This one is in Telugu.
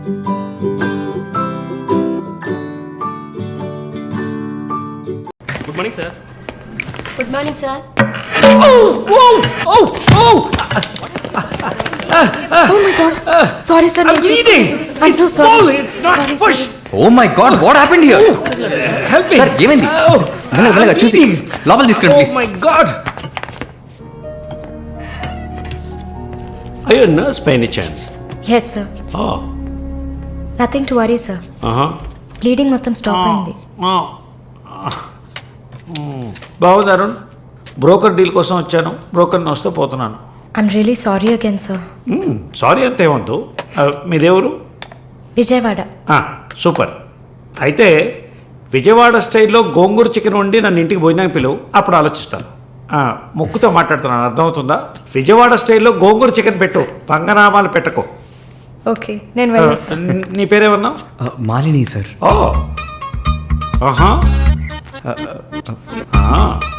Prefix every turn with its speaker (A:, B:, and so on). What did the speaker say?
A: Good morning sir.
B: Good morning sir. Oh my God. Sorry sir.
A: I'm bleeding.
B: I'm so sorry.
A: Pull, it's not push.
C: Oh my God, what happened here?
A: Help me.
C: Sir ఏమైంది? మెల్లగా చూసి లోపల తీసుకురండి
A: Oh
C: please.
A: my God. Are you a nurse by any chance?
B: Yes sir.
A: Oh.
B: Nothing to worry sir. Bleeding మొత్తం స్టాప్ అయింది.
A: బాగుంది. బ్రోకర్ డీల్ కోసం వచ్చాను. బ్రోకర్ని వస్తే పోతున్నాను.
B: I'm really sorry again sir.
A: Sorry అంత ఏమంతు. మీదేవరు?
B: విజయవాడ.
A: సూపర్. అయితే విజయవాడ స్టైల్లో గోంగూర చికెన్ వండి నన్ను ఇంటికి భోజనానికి పిలువు, అప్పుడు ఆలోచిస్తాను. ముక్కుతో మాట్లాడుతున్నాను, అర్థమవుతుందా? విజయవాడ స్టైల్లో గోంగూర చికెన్ పెట్టు, పంగనామాలు పెట్టకు.
B: ఓకే నేను వెళ్ళొస్తాను.
A: నీ పేరేమన్నావు?
C: మాలిని సార్.
A: ఓ ఆహా.